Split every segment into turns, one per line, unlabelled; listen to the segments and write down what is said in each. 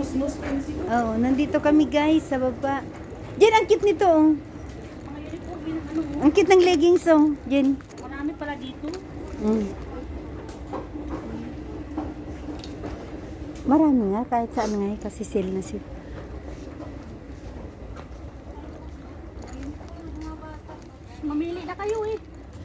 Nos-nos prinsip.
Oo, nandito kami guys sa baba. Jen, ang cute nito oh.
Mga uniform yun, ano,
Ang cute ng leggings oh. Jen.
marami pala dito.
Mm. Marami nga, kahit saan nga kasi sale na sila.
Mamili na kayo eh.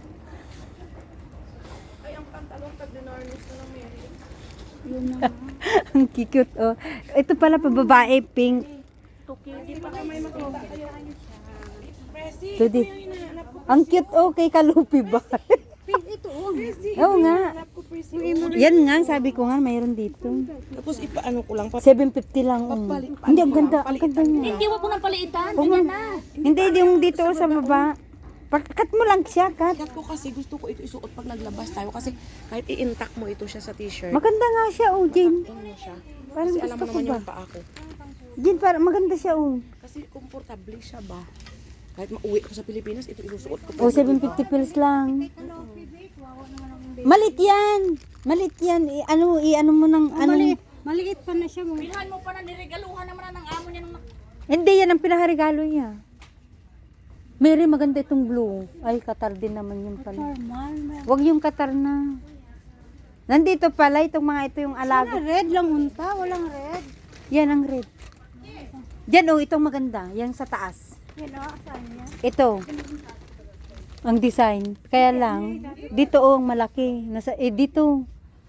Ay, ang pantalon pag dinarnis na ng Mary.
Yun na.
Ang cute oh. Ito pala pa babae, pink.
Tokyo, di pa
Baka may makita kayo. Presi,
Pwede.
ito yung hinahanap ko.
Ang cute oh, kay Kalupi ba?
ito oh.
Presi,
Oo nga.
hinahanap ko, Presi.
Yan nga, sabi ko nga, mayroon dito.
Tapos ipaano ko lang.
750 lang. Oh. Hindi, ang ganda, ang ganda niya.
Hindi, wag mo nang paliitan.
Oo
Ganyan
nga.
na.
Hindi, yung dito sa baba. Cut mo lang siya, cut.
Kat ko kasi gusto ko ito isuot pag naglabas tayo kasi kahit i-intact mo ito siya sa t-shirt.
Maganda nga siya, oh, Jin.
Ano siya?
Parang
Kasi alam
gusto
mo
ko
naman
ba?
yung paa ko.
Jin, parang maganda siya, oh.
Kasi komportable siya ba? Kahit mauwi ko sa Pilipinas, ito isusuot ko.
Oh, 750 pills lang. Malit yan. Malit yan. I-ano mo ng, ano.
Maliit pa na siya mo.
Bilhan mo pa na, niregaluhan naman na ng amo niya nung
Hindi, yan ang pinakarigalo niya. Mary, maganda itong blue. Ay, Qatar din naman yun pala. Huwag yung Qatar na. Nandito pala, itong mga ito yung alaga.
Red lang unta, walang red.
Yan ang red. Yan, oh, itong maganda. Yan sa taas.
Yan o, saan niya?
Ito. Ang design. Kaya lang, dito oh, ang malaki. Nasa, dito.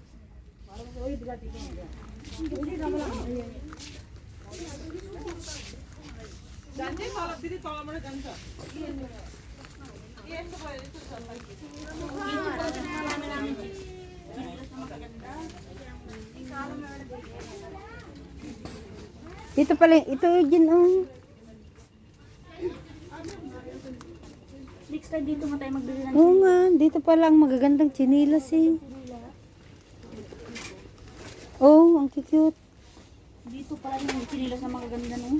Dito pala, ito din oh.
next time dito nga tayo magbili ng
Oo nga, dito pala ang magagandang chinilas eh. Oh, ang cute.
dito pala yung sinilas na magaganda no.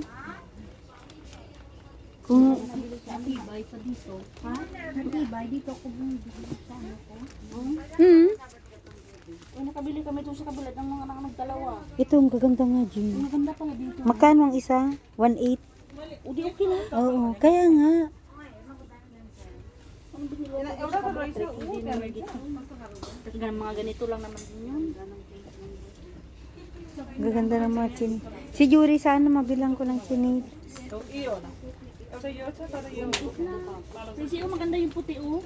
Kung,
Nabili sa Antibay pa dito. Ha? Antibay dito ako bumibili sa ano ko. Eh, nakabili kami doon sa kabilat ng mga nakadalawa.
ito ang gaganda nga, Jim.
Ang maganda pala dito.
Magkano ang isa? 1.8?
O di okay lang.
Oo, kaya nga.
Ang binili ko sa kabilat. Hindi na dito. Tapos mga ganito lang naman din yun.
Gaganda ng mga chin. Si Yuri, sana mabilang ko ng chinil.
Kasi maganda yung puti oh.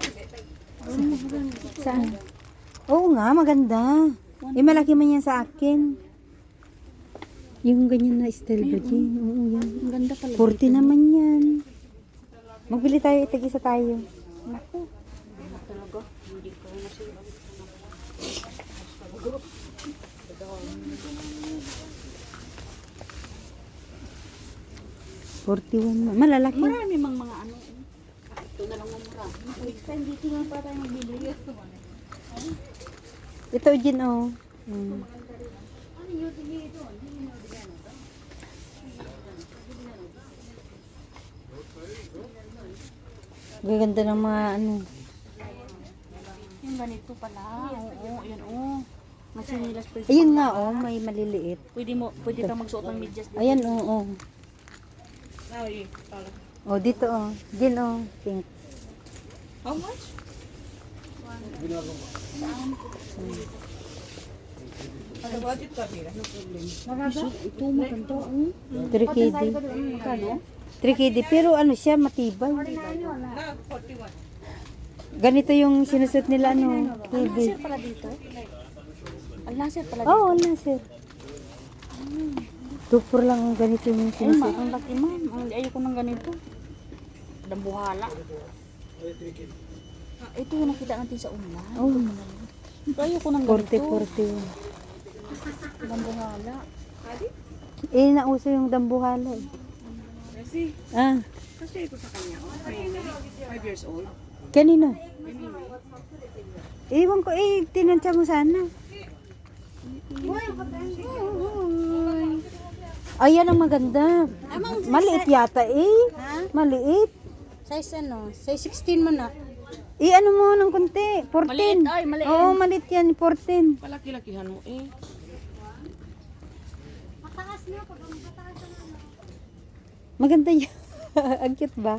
Saan? Oo nga, maganda. Eh, malaki man yan sa akin. Yung ganyan na style ba, Jin? Oo, yan.
Ang ganda pala.
40 naman yan. Magbili tayo, itag-isa tayo.
Naku. Talaga. Hindi ko na siya.
41. Malalaki.
Marami mang mga ano. Ito na lang ang mura. Next time dito na pa tayo magbili.
Ito, Jin, oh. Gaganda ng mga ano.
Yung ganito pala. Oo, yan oh. Mga sinilas pa.
Ayun nga, oh, may maliliit.
Pwede kang magsuot ng medyas dito.
Ayan, oh, oh.
Ay, pala.
Oh, dito, oh. Jin, oh. Pink.
How much? Ano budget ka, Mira? No problem.
Ito maganda oh.
3KD.
Magkano?
3KD. Pero ano siya, matibay.
Na, 41.
Ganito yung sinusot nila, ano, KD.
Laser pala dito. Ang laser pala dito.
Oo, oh, wala, sir. 2-4 lang ang ganito yung
Ay,
sinusot.
ang laki man. Ayoko ng ganito. Dambuhala. Ito yung nakita natin sa online.
Oh,
Ayoko ng ganito.
40-40.
Dambuhala.
Eh, nauso yung dambuhala. Eh.
Kasi,
Ah,
kasi ito sa kanya. 5 years old.
kanino? Ewan ko, eh, tinansya mo sana. Ayan ang maganda. Maliit yata eh. Maliit.
Size ano? Size 16 mo na.
Ano mo ng konti. 14.
Maliit, ay, maliit.
Oo, maliit yan. 14.
Palaki-lakihan mo eh.
Mataas na ako.
Maganda yun. Ang cute ba?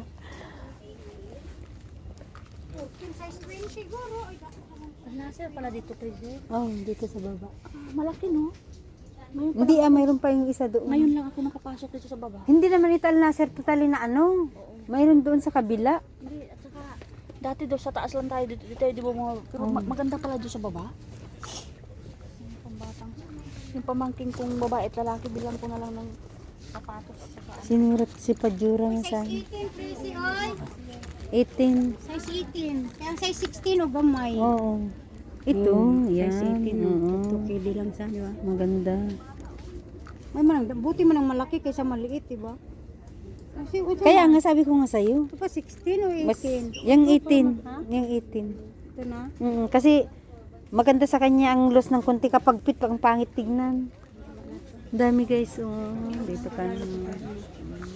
Size 20 siguro.
Ang laser pala dito, Crazy.
Oh, dito sa baba.
Malaki, no? Ngayon,
Hindi mayroon pa yung isa doon.
ngayon lang ako nakapasok dito sa baba.
Hindi naman ito Al Nasser totally na ano. Mayroon doon sa kabila.
Hindi, at saka, dati daw sa taas lang tayo, dito tayo, di ba mga, pero maganda pala doon sa baba. Yung pambatang, yung pamangking kong babae at lalaki, bilang ko na lang ng sapatos. Saka,
Sinurat si Pajura na sa
Size 18, Tracy, oy.
18.
Size 18. Kaya size 16 o gamay.
Oo. Ito, yan. Oo.
Pwede lang sa, di ba?
Maganda.
May buti man ang malaki kaysa maliit, di ba? Kasi,
Kaya nga sabi ko nga sa'yo.
ito pa 16 o 18?
Mas, yung 18.
Ha?
Yung 18.
Ito na.
Kasi maganda sa kanya ang loss ng konti kapag pit ang pangit tignan. Dami guys, oh. Dito ka na.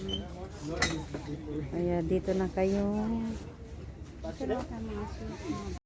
Kaya dito na kayo.
Ito na sa mga suit.